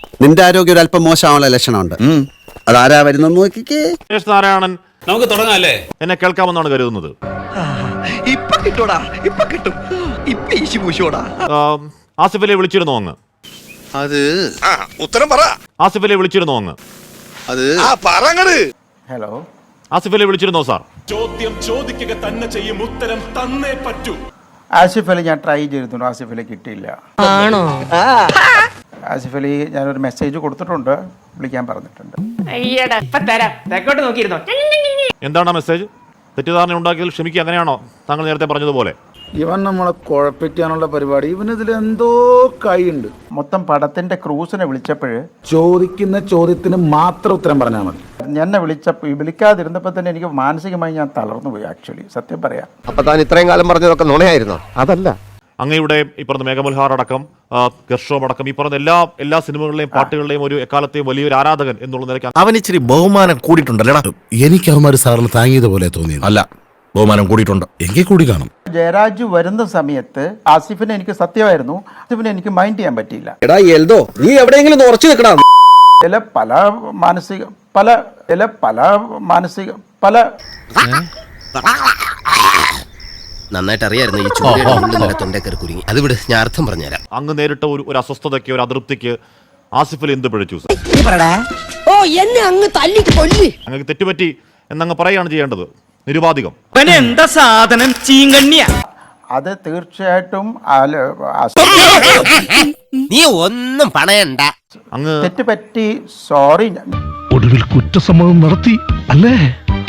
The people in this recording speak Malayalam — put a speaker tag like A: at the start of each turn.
A: നിന്റെ ആരോഗ്യം ഒരു അല്പം മോശമാവുള്ള ലക്ഷണമുണ്ട്. അതാരാ വരുന്നെന്ന് നോക്കിക്കേ.
B: നാരായണൻ
C: നമുക്ക് തുടങ്ങാല്ലേ?
B: എന്നെ കേൾക്കാമെന്നാണ് കരുതുന്നത്.
D: ഇപ്പൊ കിട്ടൂടാ, ഇപ്പൊ കിട്ടും, ഇപ്പൊ ഈശി പൂശോടാ.
B: ആസിഫിലെ വിളിച്ചിരുന്നോ അങ്ങ്?
E: അത്
D: ഉത്തരം പറ.
B: ആസിഫിലെ വിളിച്ചിരുന്നോ അങ്ങ്?
E: അത്
D: പറങ്ങട്.
F: Hello,
B: ആസിഫിലെ വിളിച്ചിരുന്നോ sir?
G: ചോദ്യം ചോദിക്കുക തന്നെ ചെയ്യും, ഉത്തരം തന്നേ പറ്റൂ.
F: ആസിഫ് അലി ഞാൻ ട്രൈ ചെയ്തിരുന്നു, ആസിഫ് അലി കിട്ടിയില്ല.
H: ആണോ?
F: ആസിഫ് അലി ഞാനൊരു മെസ്സേജ് കൊടുത്തിട്ടുണ്ട്, വിളിക്കാൻ പറഞ്ഞിട്ടുണ്ട്.
B: എന്താണ് മെസ്സേജ്? തെറ്റിദ്ധാരണ ഉണ്ടാക്കിയതിൽ ക്ഷമിക്കുക, അങ്ങനെയാണോ താങ്കൾ നേരത്തെ പറഞ്ഞതുപോലെ?
I: ഇവൻ നമ്മളെ കുഴപ്പിക്കാനുള്ള പരിപാടി, ഇവനിതിൽ എന്തോ കൈയുണ്ട്.
F: മൊത്തം പടത്തിന്റെ ക്രൂസിനെ വിളിച്ചപ്പോൾ
I: ചോദിക്കുന്ന ചോദ്യത്തിന് മാത്രം ഉത്തരം പറഞ്ഞാൽ മതി.
F: എന്നെ വിളിക്കാതിരുന്നപ്പോൾ തന്നെ എനിക്ക് മാനസികമായി ഞാൻ തളർന്നു പോയി. ആക്ച്വലി സത്യം പറയാം.
J: അപ്പൊ താൻ ഇത്രയും കാലം പറഞ്ഞതൊക്കെ നുണയായിരുന്നോ? അതല്ല,
B: അങ്ങയുടെ ഈ പറഞ്ഞ മേഘമൽഹാർ അടക്കം ഗർഷോം അടക്കം ഈ പറഞ്ഞ എല്ലാ സിനിമകളിലെയും പാട്ടുകളുടെയും ഒരു എക്കാലത്തെയും വലിയൊരു ആരാധകൻ എന്നുള്ള നിലയ്ക്ക്
K: അവൻ ഇച്ചിരി ബഹുമാനം കൂടിയിട്ടുണ്ടല്ലേടാ.
L: എനിക്ക് അവന്മാർ സാറിന് താങ്ങിയതുപോലെ തോന്നിയത്
K: അല്ല, ബഹുമാനം കൂടിയിട്ടുണ്ട്.
L: എങ്കിൽ കൂടി കാണും.
F: ജയരാജ് വരുന്ന സമയത്ത് ആസിഫിനെ എനിക്ക് സത്യമായിരുന്നു, ആസിഫിനെ എനിക്ക് മൈൻഡ് ചെയ്യാൻ പറ്റിയില്ല.
A: എടാ എൽദോ, നീ എവിടെയെങ്കിലും ഉറച്ചു നിൽക്കടാ.
J: നന്നായിട്ട് അറിയായിരുന്നു ഈ ചൂട് തൊണ്ടേക്കറി കുരുങ്ങി. അത് വിട്, ഞാൻ അർത്ഥം പറഞ്ഞുതരാം.
B: അങ്ങ് നേരിട്ട ഒരു അസ്വസ്ഥതയ്ക്ക്, ഒരു അതൃപ്തിക്ക് ആസിഫിൽ എന്ത് പിഴച്ചു? അങ്ങ് തെറ്റുപറ്റി എന്നങ്ങ് പറയുകയാണ് ചെയ്യേണ്ടത്, നിരുപാധികം.
D: എന്താ സാധനം, ചീങ്കണ്ണിയ.
F: അത് തീർച്ചയായിട്ടും
J: നീ ഒന്നും പണയണ്ട.
B: അങ്ങ്
F: തെറ്റുപറ്റി, സോറി.
L: ഒടുവിൽ കുറ്റസമ്മതം നടത്തി അല്ലേ?